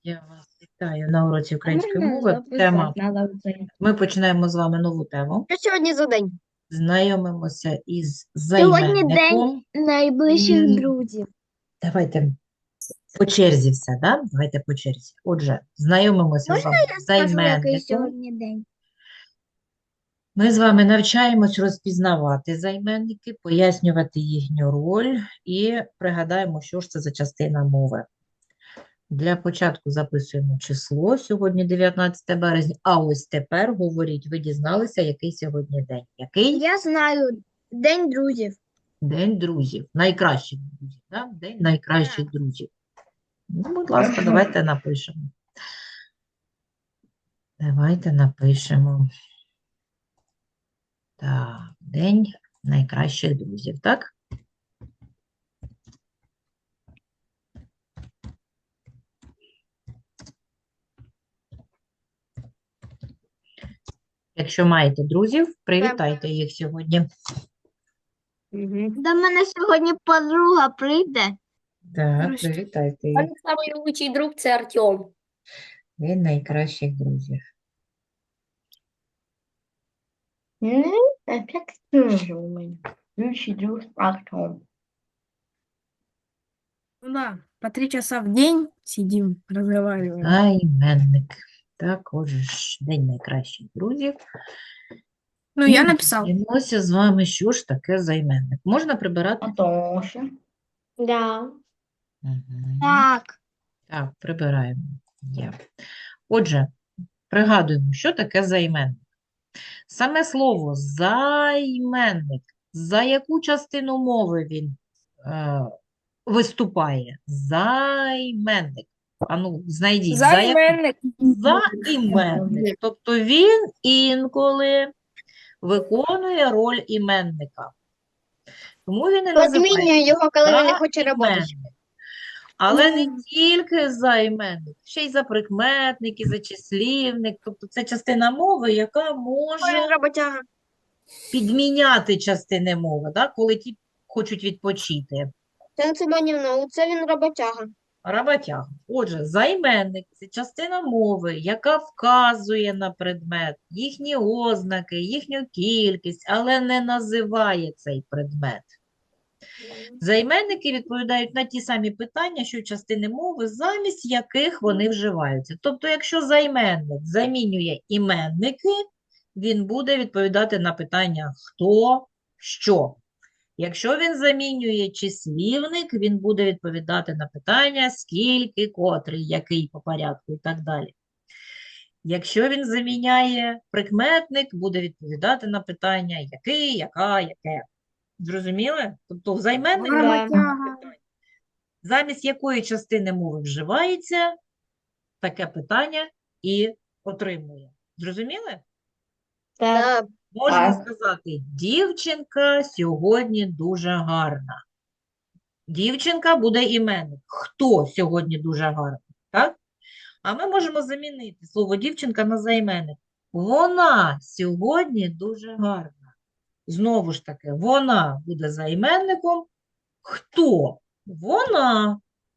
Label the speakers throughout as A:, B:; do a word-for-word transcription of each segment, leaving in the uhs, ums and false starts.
A: Я вас вітаю на уроці
B: А
A: української
B: можна
A: мови.
B: записати
A: Тема.
B: на це?
A: Ми починаємо з вами нову тему.
C: Що сьогодні за день?
A: Знайомимося із
C: Сьогодні день
A: займенником.
C: найближчих
A: М,
C: друзів.
A: Давайте по черзі все, да? Давайте по черзі. Отже, знайомимося з
C: Можна
A: вами
C: я
A: з
C: скажу, який
A: займенником.
C: сьогодні день?
A: Ми з вами навчаємось розпізнавати займенники, пояснювати їхню роль і пригадаємо, що ж це за частина мови. Для початку записуємо число. Сьогодні дев'ятнадцяте березня. А ось тепер говоріть, ви дізналися, який сьогодні день. Який?
C: Я знаю, день друзів.
A: День друзів. Найкращих друзів. Да? День найкращих друзів. Ну, будь ласка, давайте напишемо. Давайте напишемо. Так, день найкращих друзів, так? Якщо маєте друзів, привітайте їх сьогодні.
C: До мене сьогодні подруга прийде.
A: Так,
B: Здрасте.
A: привітайте їх.
D: Мой самый лучший друг це Артем.
A: День найкращих друзів.
B: Опять тоже у меня. Лучший друг Артем.
E: Ну да, по три часа в день сидим, разговариваем.
A: Займенник. Так, отже ж, день найкращих друзів.
E: Ну,
A: І
E: я написал.
A: дивимося з вами, що ж таке займенник. Можна прибирати?
B: А Тоша.
D: Да.
A: Мгм.
C: Так.
A: Так, прибираємо. Є. Отже, пригадуємо, що таке займенник. Саме слово займенник. За яку частину мови він е, виступає? Займенник. Ану, знайдіть. За яку?
E: Займенник.
A: Займенник. Тобто він інколи виконує роль іменника. Тому він і називається
C: Подмінюю його, коли він не хоче працювати.
A: займенник. Але не тільки займенник, ще й за прикметник, і за числівник. Тобто це частина мови, яка може
C: Роботяга.
A: підміняти частини мови, да, коли ті хочуть відпочити.
C: Це Семенівна, це він роботяга.
A: Роботяга. Отже, займенник – це частина мови, яка вказує на предмет, їхні ознаки, їхню кількість, але не називає цей предмет. Займенники відповідають на ті самі питання, що й частини мови, замість яких вони вживаються. Тобто, якщо займенник замінює іменники, він буде відповідати на питання хто, що. Якщо він замінює числівник, він буде відповідати на питання скільки, котрий, який по порядку і так далі. Якщо він заміняє прикметник, буде відповідати на питання який, яка, яке. Зрозуміли? Тобто в займеннику
E: Роботяга.
A: замість якої частини мови вживається, таке питання і отримує. Зрозуміли?
C: Так.
A: Можна
B: Так.
A: сказати, дівчинка сьогодні дуже гарна. Дівчинка буде іменник. Хто сьогодні дуже гарний? Так? А ми можемо замінити слово дівчинка на займенник. Вона сьогодні дуже гарна. Знову ж таки, вона буде займенником. Хто? Вона.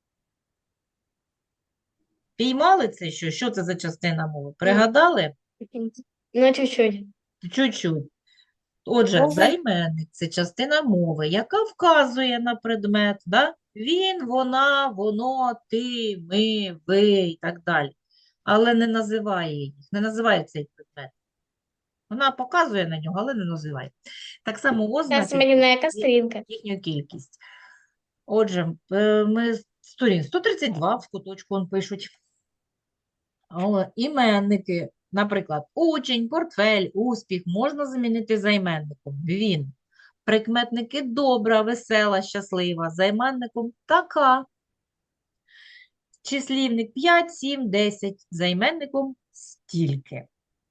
A: Піймали це що? Що це за частина мови? Пригадали?
D: Ну, чуть-чуть.
A: Чуть-чуть. Отже,
D: Мови.
A: займенник – це частина мови, яка вказує на предмет. Да? Він, вона, воно, ти, ми, ви і так далі. Але не називає їх, не називає цей предмет. Вона показує на нього, але не називає. Так само
D: Зараз
A: ознаки
D: мені на яка сторінка?
A: їхню кількість. Отже, е, ми сторін сто тридцять два в куточку он пишуть. Але іменники, наприклад, учень, портфель, успіх можна замінити займенником. Він. Прикметники добра, весела, щаслива. Займенником така. Числівник п'ять, сім, десять. Займенником стільки.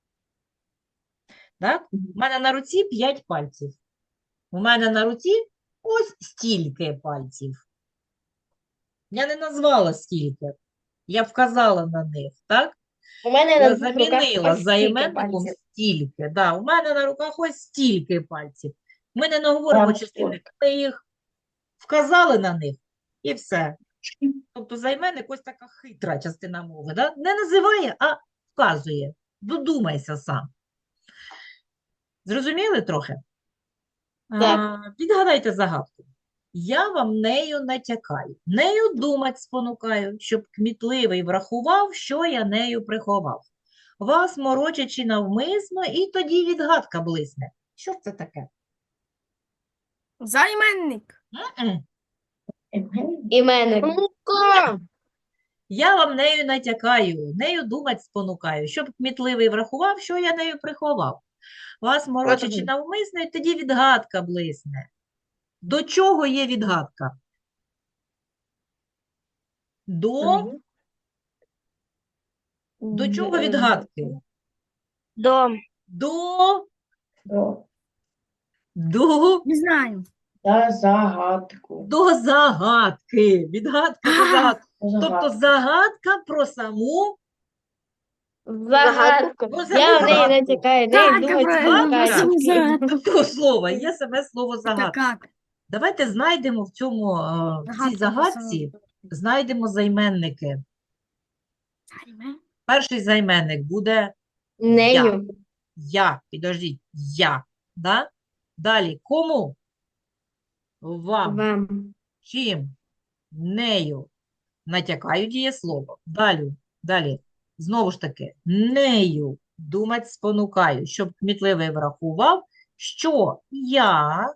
A: Так? У мене на руці п'ять пальців. У мене на руці ось стільки пальців. Я не назвала скільки. Я вказала на них, так?
D: У мене
A: Я
D: на двох руках
A: замінила
D: ось стільки
A: займенником
D: пальців.
A: стільки. Да, у мене на руках ось стільки пальців. Ми не говоримо
B: Там
A: числівник, ми їх вказали на них і все. Тобто займенник ось така хитра частина мови. Да? Не називає, а вказує. Додумайся сам. Зрозуміли трохи?
B: Так.
A: А, відгадайте загадку. Я вам нею натякаю, нею думать спонукаю, щоб кмітливий врахував, що я нею приховав. Вас морочачи навмисно, і тоді відгадка блисне. Що ж це таке?
E: Займенник.
A: М-м.
D: Іменник.
C: Мука.
A: Я вам нею натякаю, нею думать спонукаю, щоб кмітливий врахував, що я нею приховав. Вас морочачи
C: Мгм.
A: навмисно, і тоді відгадка блисне. До чого є відгадка? До, до чого відгадки?
C: Дом.
A: До,
B: До,
A: до,
E: Не знаю.
B: за загадку.
A: до загадки. Відгадка до
E: А,
A: загадки. Тобто
B: Загадку.
A: загадка про саму
D: Загадку.
A: Ну,
D: Я в неї
A: загадку.
D: натякаю, неї
E: Так,
D: думать
E: правильно,
D: спонукаю.
E: саму загадку.
A: того слова. Є саме слово
E: Это
A: загадка.
E: как?
A: Давайте знайдемо в цьому, е, в цій
E: Загадка про
A: загадці, знайдемо займенники.
E: Займен-
A: Перший займенник буде
D: Нею.
A: я. Підождіть, я. Да? Далі, кому? Вам.
D: Вам.
A: Чим? Нею. Натякаю дієслово. Далі, далі. Знову ж таки, нею думать спонукаю, щоб кмітливий врахував, що я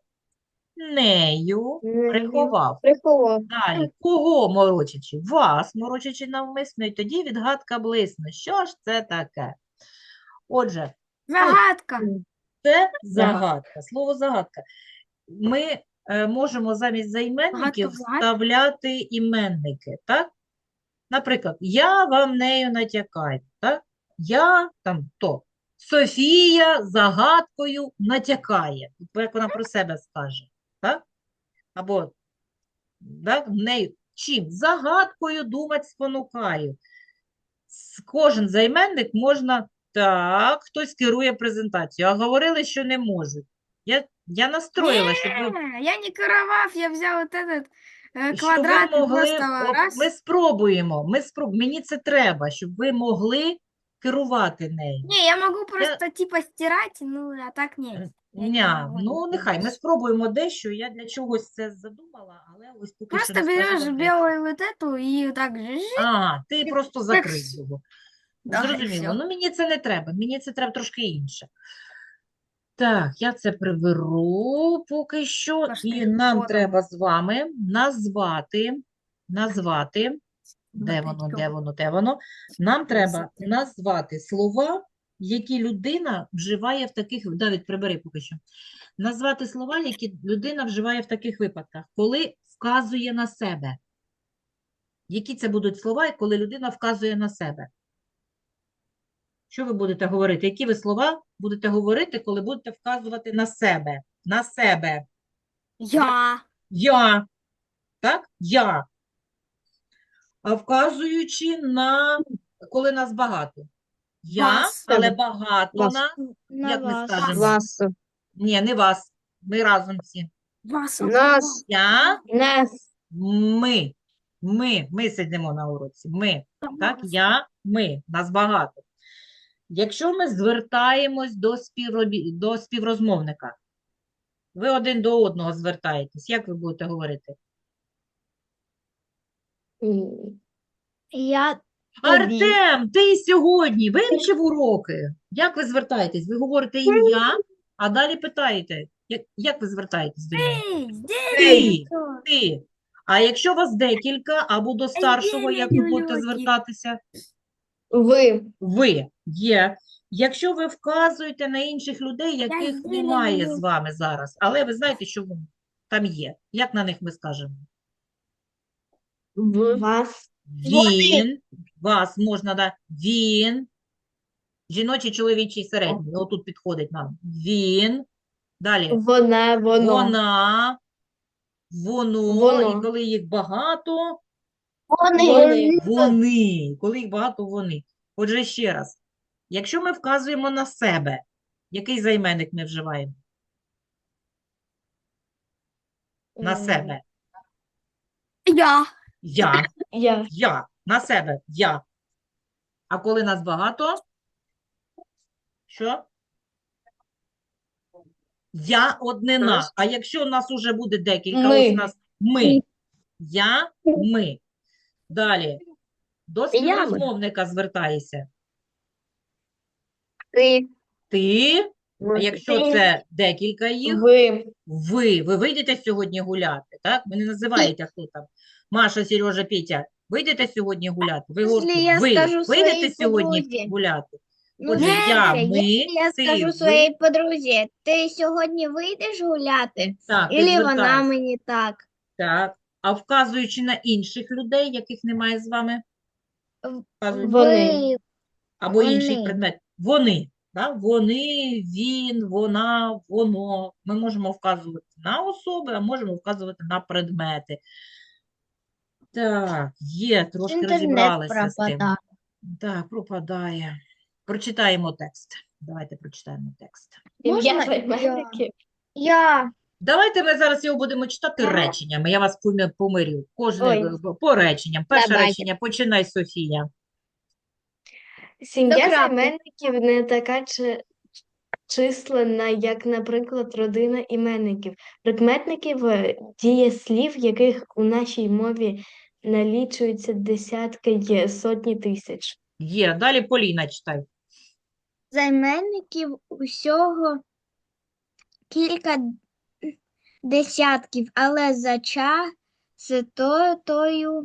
A: нею
D: Нею.
A: приховав.
D: Приховав.
A: Далі, кого морочачи? Вас морочачи навмисно, і тоді відгадка блисне. Що ж це таке? Отже,
E: Загадка.
A: це загадка, слово загадка. Ми е, можемо замість займенників
E: Загадка в загадці?
A: вставляти іменники, так? Наприклад, я вам нею натякаю, так? Я там то. Софія загадкою натякає. Як вона про себе скаже, так? Або так, нею чим? Загадкою думать спонукаю. С- Кожен займенник можна так, хтось керує презентацією, а говорили, що не можуть. Я, я настроїла, щоб ви,
E: Не, я не каравав, я взял вот этот э,
A: щоб ви
E: квадрат и
A: могли,
E: просто
A: о,
E: раз.
A: ми спробуємо, ми спроб... мені це треба, щоб ви могли керувати нею.
E: Не, я могу просто типа стирать, ну, а так нет. Я не
A: Ня,
E: могу
A: ну
E: это
A: нехай, ми
E: делать.
A: спробуємо дещо, я для чогось це задумала, але ось поки що
E: Просто
A: не скажу
E: берешь
A: вам для
E: белую вот эту и так же жи,
A: А, ти просто
E: так
A: закрив
E: с-
A: його.
E: да, и
A: Зрозуміло.
E: всё.
A: Ну, мені це не треба, мені це треба трошки інше. Так, я це приберу поки що,
E: Трошки
A: і нам
E: фото.
A: треба з вами назвати, назвати, де
E: Опять
A: воно, де
E: кого?
A: воно, де воно. Нам треба
E: Красота.
A: назвати слова, які людина вживає в таких, Давид, прибери поки що. Назвати слова, які людина вживає в таких випадках, коли вказує на себе. Які це будуть слова, коли людина вказує на себе? Що ви будете говорити? Які ви слова будете говорити, коли будете вказувати на себе? На себе.
E: Я.
A: Я. Так? Я. А вказуючи на, коли нас багато. Я,
E: Вас.
A: але багато
C: Вас.
A: нас. Як ми скажемо?
C: Вас.
A: Ні, не вас. Ми разом всі.
E: Вас.
C: Нас.
A: Я,
D: Нас.
A: ми. Ми. Ми сидимо на уроці. Ми. Так? Я, ми. Нас багато. Якщо ми звертаємось до, співробі... до співрозмовника, ви один до одного звертаєтесь, як ви будете говорити?
D: М.
C: Я тобі.
A: Артем, ти сьогодні вивчив уроки? Як ви звертаєтесь? Ви говорите ім'я, а далі питаєте, як, як ви звертаєтесь до нього?
E: Эй, здесь.
A: Ти, ти. А якщо вас декілька, або до старшого, як ви будете
E: люльоки.
A: звертатися?
D: Ви.
A: Ви є. Якщо ви вказуєте на інших людей, яких
E: зелень
A: немає з
E: люблю.
A: вами зараз, але ви знаєте, що вони там є. Як на них ми скажемо?
D: Вас.
A: Він, вас можна, да, він, жіночий, чоловічий, середній, отут підходить нам. Він, далі,
D: Вона. Воно.
A: вона, воно,
D: Воно.
A: і коли їх багато,
D: Вони.
A: вони, коли їх багато, вони. Отже, ще раз, якщо ми вказуємо на себе, який займенник ми вживаємо? На
D: М.
A: себе.
E: Я.
A: Я,
D: Я.
A: я, на себе, я. А коли нас багато, що? Я однина.
D: Нас.
A: А якщо у нас уже буде декілька,
D: Ми.
A: ось у нас ми. Я, ми. Далі. До
D: Я, ми.
A: співрозмовника звертаєшся.
C: Ти.
A: Ти, а
D: Ми.
A: якщо
D: Ти.
A: це декілька їх,
D: Ви.
A: ви. Ви вийдете сьогодні гуляти, так? Ви не називаєте, хто там. Маша, Сережа, Петя. Вийдете сьогодні гуляти? Ви
C: Якщо
A: говорите,
C: я
A: ви
C: скажу
A: вийдете
C: своїй
A: сьогодні
C: подрузі.
A: гуляти?
C: Ну,
A: Отже,
C: дивіться,
A: я, ми,
C: якщо я
A: ти,
C: скажу
A: ви.
C: своїй подрузі, ти сьогодні вийдеш гуляти?
A: Так, ти
C: Ілі вона
A: звертаєшся.
C: мені так?
A: Так. А вказуючи на інших людей, яких немає з вами, вказуючи.
D: Вони.
A: Або інший
C: Вони.
A: предмет. Вони. Да? Вони, він, вона, воно. Ми можемо вказувати на особи, а можемо вказувати на предмети. Так, є, трошки
C: Інтернет
A: розібралися з тим.
C: пропадає.
A: Так, пропадає. Прочитаємо текст. Давайте прочитаємо текст.
C: Можна
D: Ім'я займенників.
C: Я.
A: Давайте ми зараз його будемо читати реченнями. Я вас помі- помирю. Кожне
D: Ой.
A: е, по реченням. Перше
C: Давайте.
A: речення. Починай, Софія.
D: Сім'я
C: До крапки.
D: займенників не така чи... численна, як, наприклад, родина іменників. Прикметників е, дієслів, яких у нашій мові налічується десятки, є сотні тисяч.
A: Є. Далі Поліна читай.
C: Займенників усього кілька десятків, але за частотою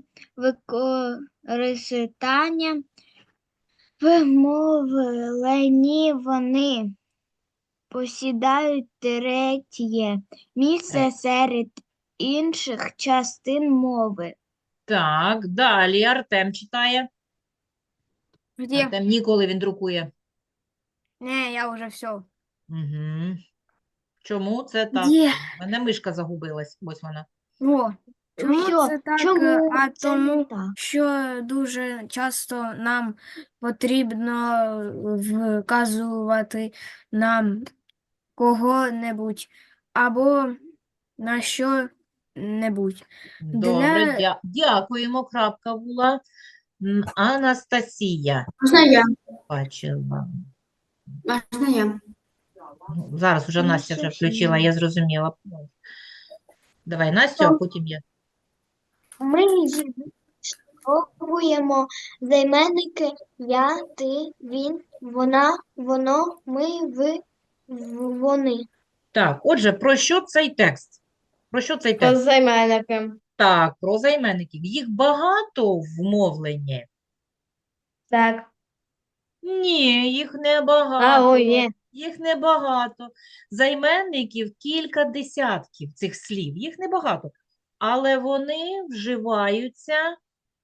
C: використання в мовленні вони посідають третє місце серед інших частин мови.
A: Так, далі Артем читає.
E: Где?
A: Артем ніколи він друкує.
E: Не, я уже все.
A: Угу. Чому це так?
E: Где?
A: У мене мишка загубилась. Ось вона.
E: Во. Чому
C: що?
E: це так?
C: Чому
E: Е, А
C: це не
E: тому,
C: так?
E: що дуже часто нам потрібно вказувати на кого-небудь або на що-небудь.
A: Добре,
E: Для...
A: дя- дякуємо. Крапка була. М, Анастасія.
E: Можна я?
A: Бачила.
E: Можна я?
A: Ну, зараз вже Настя вже включила, я зрозуміла. Давай, Настю, а потім я.
C: Ми спробуємо займенники я, ти, він, вона, воно, ми, ви, в- вони.
A: Так, отже, про що цей текст? Про що цей
D: Про
A: текст?
D: займенники.
A: Так, про займенників. Їх багато в мовленні?
D: Так.
A: Ні, їх
D: А,
A: небагато.
D: ой, є.
A: Їх небагато. Займенників кілька десятків цих слів. Їх небагато. Але вони вживаються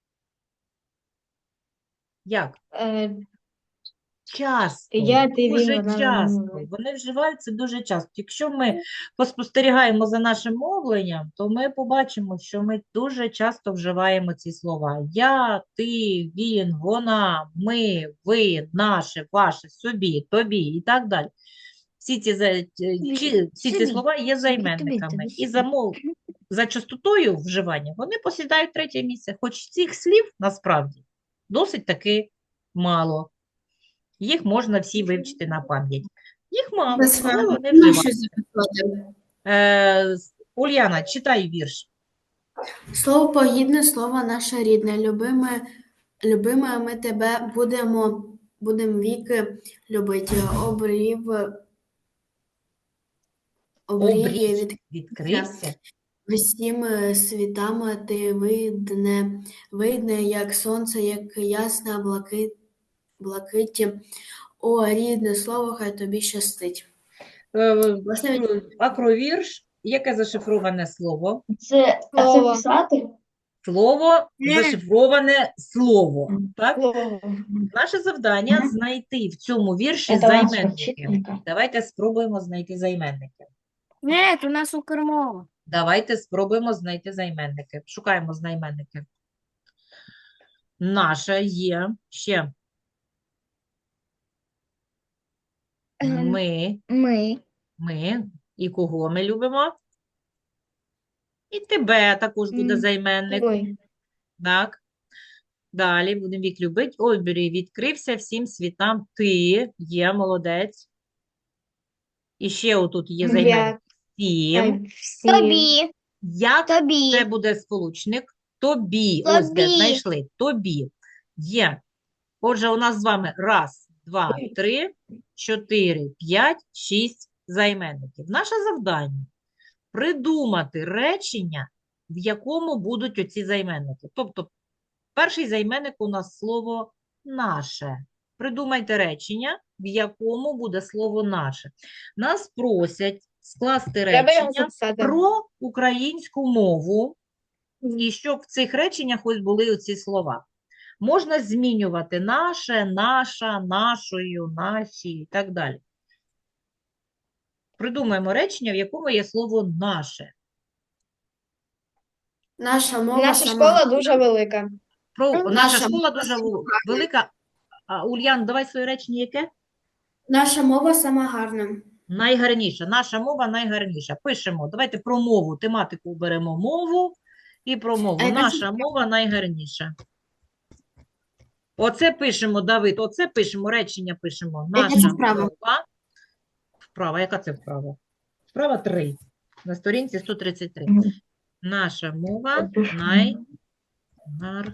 A: як?
D: Е,
A: Часто,
D: Я, ти, він,
A: дуже
D: вона,
A: часто.
D: вони.
A: Вони вживаються дуже часто. Якщо ми поспостерігаємо за нашим мовленням, то ми побачимо, що ми дуже часто вживаємо ці слова. Я, ти, він, вона, ми, ви, наше, ваше, собі, тобі і так далі. Всі ці, за- чи- всі ці
C: собі,
A: слова є
C: тобі,
A: займенниками.
C: тобі,
A: І за, мов, за частотою вживання вони посідають третє місце. Хоч цих слів насправді досить таки мало. Їх можна всі вивчити на пам'ять. Їх мало, але вони вживаються. Е, Ульяна, читай вірш.
F: Слово погідне, слово наше рідне, любиме, любиме, ми тебе будемо, будем віки любити. Обрів, обрій
A: Обрій
F: від
A: відкрився.
F: всім світами ти видне, видне, як сонце, як ясна блакит, блакиті. О, рідне слово, хай тобі щастить.
A: Е,
F: Можна від-
A: Акровірш. Яке зашифроване слово?
B: Це, а це
D: Слово.
B: писати?
A: Слово,
E: Ні.
A: зашифроване слово. Так?
D: Слово.
A: Наше завдання
B: Мгм.
A: знайти в цьому вірші
B: Це у нас
A: займенники.
B: вчителька.
A: Давайте спробуємо знайти займенники.
E: Ні, у нас Укрмова.
A: Давайте спробуємо знайти займенники. Шукаємо займенники. Наше є ще.
C: Ем,
A: Ми,
C: Ми.
A: ми. І кого ми любимо? І тебе також буде
C: М,
A: займенник.
D: Ой.
A: Так. Далі будемо вік любить. Обері відкрився всім світам. Ти є молодець. І ще отут є займенник.
D: Як
A: Всім.
D: всім.
C: Тобі,
A: Як
C: тобі,
A: це буде сполучник? Тобі. Ось де
C: Тобі.
A: знайшли. Тобі. Є. Отже, у нас з вами раз, два, три, чотири, п'ять, шість займенників. Наше завдання – придумати речення, в якому будуть оці займенники. Тобто, перший займенник у нас слово «наше». Придумайте речення, в якому буде слово «наше». Нас просять скласти
D: Треба його
A: речення
D: записати.
A: про українську мову, і щоб в цих реченнях ось були оці слова. Можна змінювати наше, наша, нашою, наші і так далі. Придумаємо речення, в якому є слово «наше».
F: Наша мова
D: Наша
F: сама
D: школа
F: гарна.
D: дуже велика.
A: Про, наша
F: Наша
A: школа
F: мова
A: дуже
F: сама
A: вел- велика. А, Ульян, давай своє речення яке?
F: Наша мова сама гарна.
A: Найгарніша. Наша мова найгарніша. Пишемо. Давайте про мову. Тематику беремо мову і про мову.
F: А яка це
A: Наша мова найгарніша. Оце пишемо, Давид, оце пишемо, речення пишемо.
F: Яка це
A: Наша
F: вправа?
A: мова. Вправа. Яка це вправа? Вправа три. На сторінці сто тридцять три.
B: Мгм.
A: Наша мова
B: Напишу.
A: найгарніша.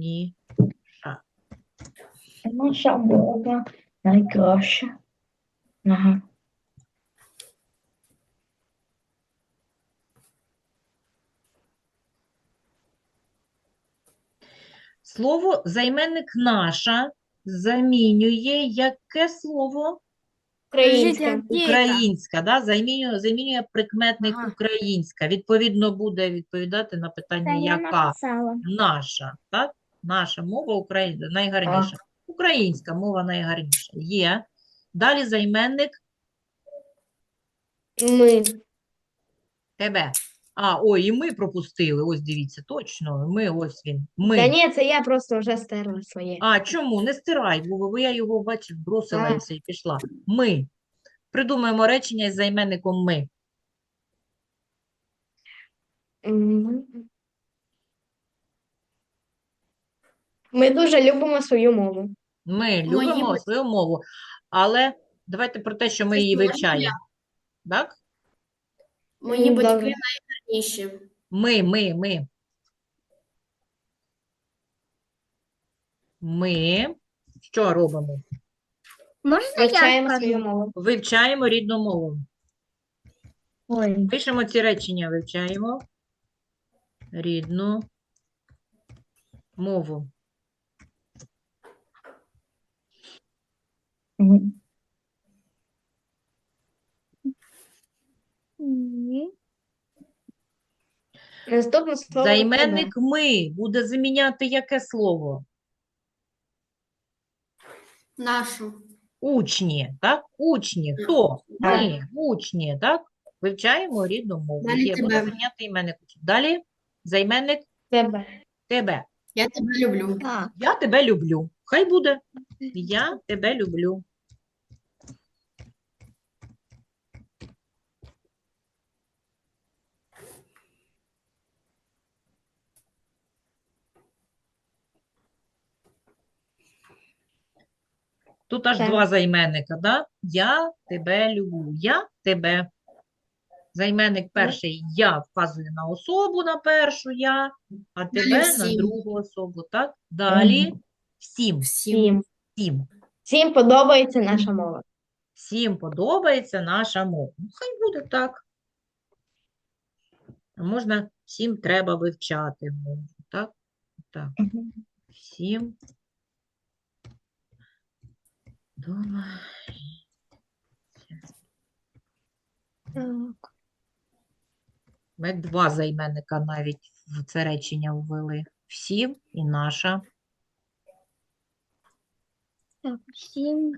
B: Наша мова найкраща. Ага.
A: Слово займенник наша замінює яке слово?
D: Українська.
E: Подождите,
A: Українська, да? Замінює, замінює прикметник
E: Ага.
A: українська. Відповідно, буде відповідати на питання яка? Наша, так? Наша мова Україна найгарніша. Українська мова найгарніша. Є. Далі займенник
D: Ми.
A: тебе. А, ой, і ми пропустили. Ось дивіться, точно. Ми, ось він. Ми.
D: Та ні, це я просто вже стерла своє.
A: А, чому? Не стирай, бо бо я його, бачив, бросила і
D: А.
A: все, і пішла. Ми. Придумаємо речення із займенником ми.
D: М. Ми дуже любимо свою мову.
A: Ми
F: Мої
A: любимо
F: батьки.
A: свою мову, але давайте про те, що ми
F: Це
A: її
F: можна
A: вивчаємо. Так?
F: Мої
D: М,
F: батьки
D: добре.
F: найгарніші.
A: Ми, ми, ми. Ми що робимо?
C: Можна я
D: Вивчаємо
C: скажу?
D: свою мову.
A: Вивчаємо рідну мову.
B: Ой.
A: Пишемо ці речення, вивчаємо рідну мову.
B: Мгм.
C: Ні.
D: Наступне слово
A: Займенник ми буде заміняти яке слово?
F: Нашу.
A: Учні, так? Учні. Хто? Ми, учні, так? Вивчаємо рідну мову.
F: Далі
A: Є, буде
F: тебе.
A: заміняти іменник. Далі займенник
D: тебе.
A: тебе.
F: Я тебе люблю.
C: Так.
A: Я тебе люблю. Хай буде. Я тебе люблю. Тут аж
D: Так.
A: два займенника, да? Я тебе люблю. Я тебе. Займенник перший я вказує на особу, на першу я, а тебе на
F: всім.
A: другу особу, так? Далі всім,
F: Всім.
D: Всім.
A: всім.
D: Всім подобається наша мова.
A: Всім подобається наша мова. Ну, хай буде так. А можна всім треба вивчати мову, так? Так.
B: Мгм.
A: Всім дома.
C: Так.
A: Ми два займенника навіть в це речення ввели. Всім і наша.
C: Так, всім.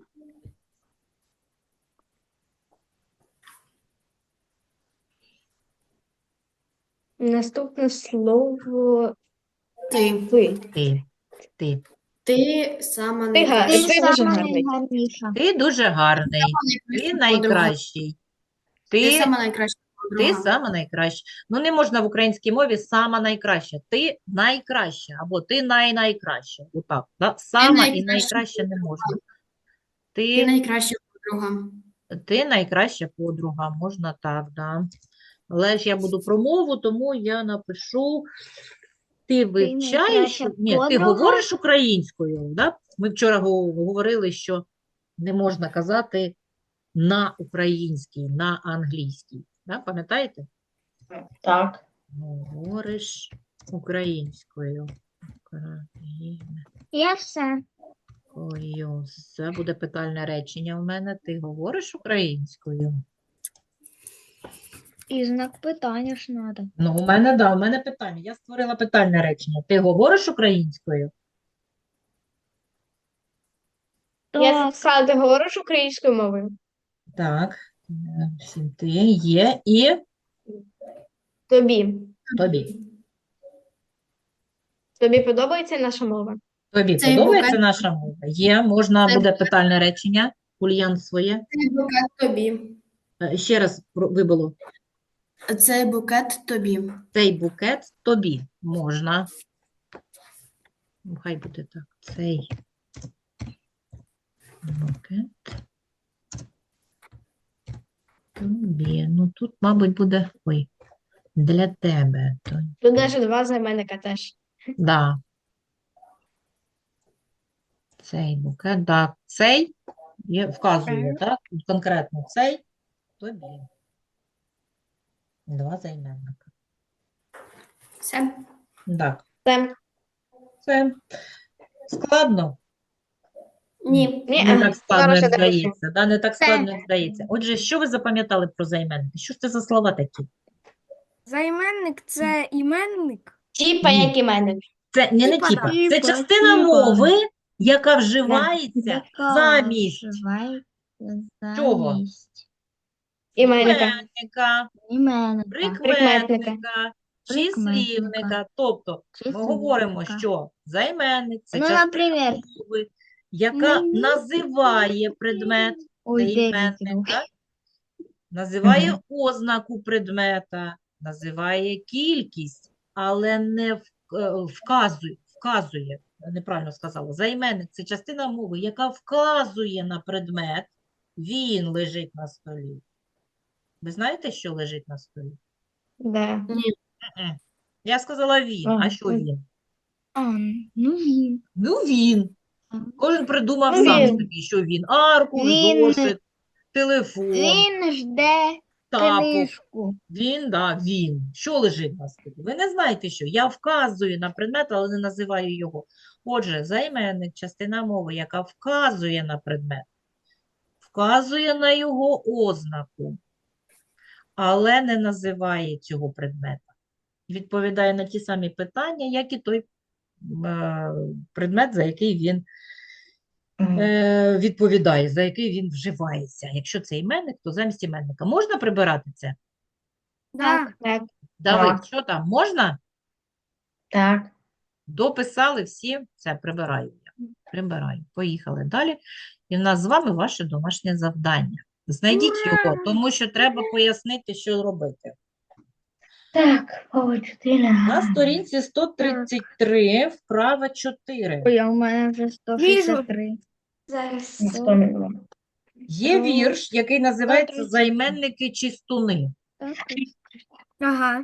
D: Наступне слово
F: Ти.
D: ви.
A: Ти. Ти.
F: Ти сама
D: Ти га-
F: найкраща.
D: ти дуже
C: сама
D: гарний.
C: найгарніша.
A: Ти дуже гарний. Ти
F: Найкраща подруга.
A: найкращий.
F: Ти
A: Ти
F: сама найкраща
A: Ти
F: Друга.
A: сама найкраща. Ну, не можна в українській мові сама найкраща. Ти найкраща або ти най-найкраща. Отак, да? Сама і
F: найкраща
A: найкраща не можна.
F: Ти
A: Ти,
F: найкраща подруга.
A: ти найкраща подруга, можна так, да. Але ж я буду про мову, тому я напишу ти вивчаєш,
C: найкраща
A: ні, ти
C: подруга?
A: говориш українською, да? Ми вчора го- говорили, що не можна казати на українській, на англійській. Да? Пам'ятаєте?
B: Так.
A: Говориш українською. Українською.
C: Я все.
A: Це буде питальне речення в мене. Ти говориш українською?
C: І знак питання ж треба.
A: Ну, у мене, да, у мене питання. Я створила питальне речення. Ти говориш українською?
D: Я сказала, ти говориш українською мовою?
A: Так. Е, всім ти є і
D: Тобі.
A: тобі.
D: Тобі подобається наша мова?
A: Тобі
F: Цей
A: подобається
F: букет-
A: наша мова? Є, можна
F: Цей
A: буде питальне речення. Ульян своє.
F: Цей букет тобі.
A: Е, Ще раз про- вибило.
F: Цей букет тобі.
A: Цей букет тобі можна. Ну, хай буде так. Цей букет тобі. Ну, тут, мабуть, буде, ой, для тебе. То,
D: Тут навіть два займенника теж.
A: да. Цей букет, так. Цей є, вказує, так? Конкретно цей тобі. Два займенника.
F: Все.
A: Так,
D: Це
A: це складно.
F: Ні.
D: ні,
A: Не
D: а,
A: так складно,
D: зараз
A: як
D: я допишу.
A: здається. Да? Не так
C: Це.
A: складно, як здається. Отже, що ви запам'ятали про займенники? Що ж це за слова такі?
E: Займенник – це іменник.
D: Типа,
A: Ні.
D: як іменник.
A: Це не, не
E: Типа,
A: типа.
E: да.
A: Це
C: Типа,
A: частина
C: типа.
A: мови, яка вживається замість Чого?
D: Іменника.
A: іменника,
C: Іменника.
A: прикметника,
C: Прикметника.
A: числівника. Тобто ми говоримо, що займенник – це
C: Ну,
A: частина
C: наприклад,
A: мови, яка
C: мені
A: називає предмет, це
C: ой, дев'ять
A: іменник,
C: років.
A: так? Називає ознаку предмета, називає кількість, але не в- е, вказує, вказує, неправильно сказала, займенник – це частина мови, яка вказує на предмет, він лежить на столі. Ви знаєте, що лежить на столі?
D: Да.
A: Мгм. Я сказала він, а
D: Ага.
A: що він?
C: А, ну він.
A: Ну він. Кожен придумав
D: Ну,
A: сам
D: він.
A: собі, що він. Аркуш,
C: Він.
A: зошит, телефон,
C: Він жде
A: тапок.
C: книжку.
A: Він, да, він. Що лежить на столі? Ви не знаєте, що. Я вказую на предмет, але не називаю його. Отже, займенник – частина мови, яка вказує на предмет, вказує на його ознаку, але не називає цього предмета. Відповідає на ті самі питання, як і той е, предмет, за який він е, відповідає, за який він вживається. Якщо це іменник, то замість іменника. Можна прибирати це?
E: Да.
D: Так.
A: Давид,
B: Так.
A: що там, можна?
B: Так.
A: Дописали всі, це прибираю я. Прибираю. Поїхали далі. І в нас з вами ваше домашнє завдання. Знайдіть його, тому що треба пояснити, що робити.
B: Так, Павло, чотири.
A: На сторінці сто тридцять три, вправа чотири.
C: Ой, а у мене вже сто шістдесят три.
D: Зараз.
B: Сто мільйонів.
A: Є вірш, який називається «Займенники чистуни».
E: Ага.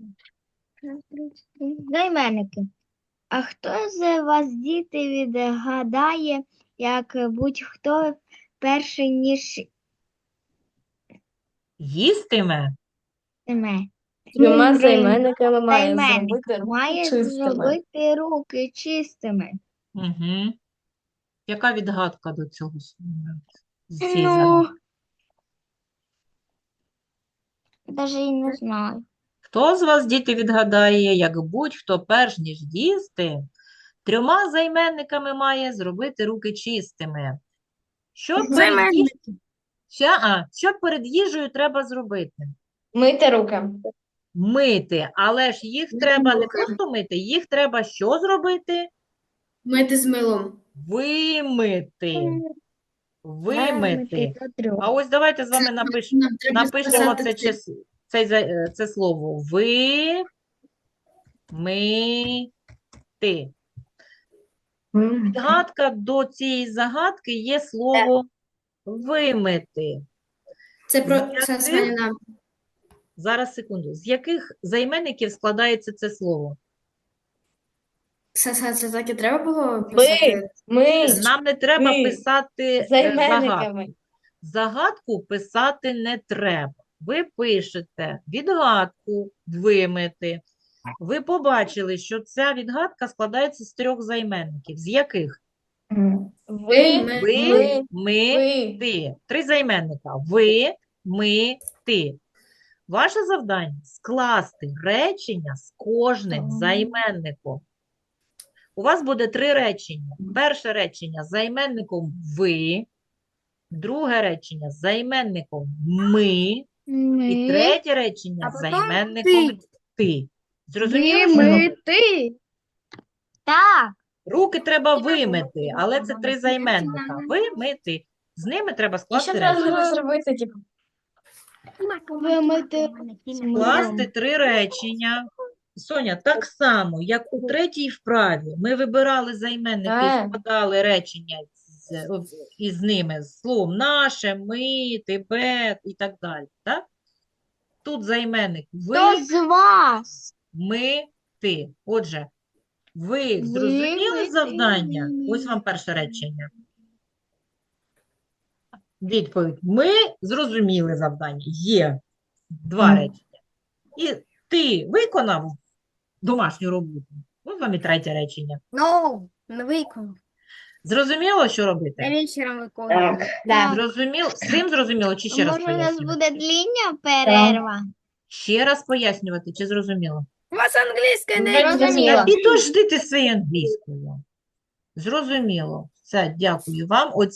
C: Займенники. А хто з вас, діти, відгадає, як будь-хто перший, ніж
A: Їстиме?
C: іме?
D: Трьома займенниками має
C: Займенник
D: зробити
C: має
D: чистими.
C: зробити руки чистими.
A: Угу. Яка відгадка до цього? З цієї
C: Ну,
A: загадки?
C: навіть і не знаю.
A: Хто з вас, діти, відгадає, як будь-хто перш ніж їсти, трьома займенниками має зробити руки чистими? Що перед, їж...
E: Займенники.
A: Що, а, що перед їжею треба зробити?
D: Мити руки.
A: Мити, але ж їх треба не просто мити, їх треба що зробити?
F: Мити з милом.
A: Вимити. Вимити.
C: До трьох.
A: А ось давайте з вами напиш...
F: Нам треба
A: напишемо
F: сказати
A: це
F: цифру.
A: число. цей, за- е, це слово ви, ми, ти.
B: М,
A: Підгадка до цієї загадки є слово вимити.
F: Це про
A: Яких?
F: це Саніна.
A: Зараз, секунду. З яких займенників складається це слово?
F: Це, це, це так і треба було
D: Ми,
F: писати?
D: ми
A: Нам не треба
D: ми
A: писати е,
D: займенниками.
A: загадку. Загадку писати не треба. Ви пишете відгадку вимити. Ви побачили, що ця відгадка складається з трьох займенників. З яких?
B: м,
D: Ви,
F: Ми,
A: Ви,
D: ми,
A: ми,
D: ви.
A: ти. Три займенника. Ви, ми, ти. Ваше завдання – скласти речення з кожним займенником. У вас буде три речення. Перше речення з займенником ви, друге речення з займенником ми, і
C: Ми,
A: третє речення
E: А
A: з
E: потім
A: займенником
E: ти.
A: ти. Зрозуміло,
C: ви,
A: що
C: ми,
A: робити?
C: ти. Так.
A: Руки треба вимити, але це три займенника. Вимити. З ними треба
D: І
A: скласти
D: що
A: речення.
D: треба зробити, типу?
C: Вимити.
A: Скласти три речення. Соня, так само, як у третій вправі, ми вибирали займенники і
D: Е.
A: складали речення з, із ними з словом наше, ми, тебе і так далі. Так? Тут займенник ви,
C: Хто з вас?
A: ми, ти. Отже, ви
C: Ви,
A: зрозуміли
C: ми,
A: завдання?
C: ти, ми.
A: Ось вам перше речення. Відповідь. Ми зрозуміли завдання. Є два
B: Мгм.
A: речення. І ти виконав домашню роботу. Ось вам і третє речення.
E: Ну, не виконав.
A: Зрозуміло, що
E: Я
A: робити?
E: вечором виконував.
B: Так.
C: Так.
A: Зрозуміло? Всім зрозуміло? Чи ще раз
C: Може, у нас
A: пояснювати?
C: буде дління перерва?
A: Ще раз пояснювати, чи зрозуміло?
E: У вас англійська не
B: Зрозуміло.
C: Зрозуміло.
A: Та підожди ти своєю англійською. Зрозуміло. Все, дякую вам.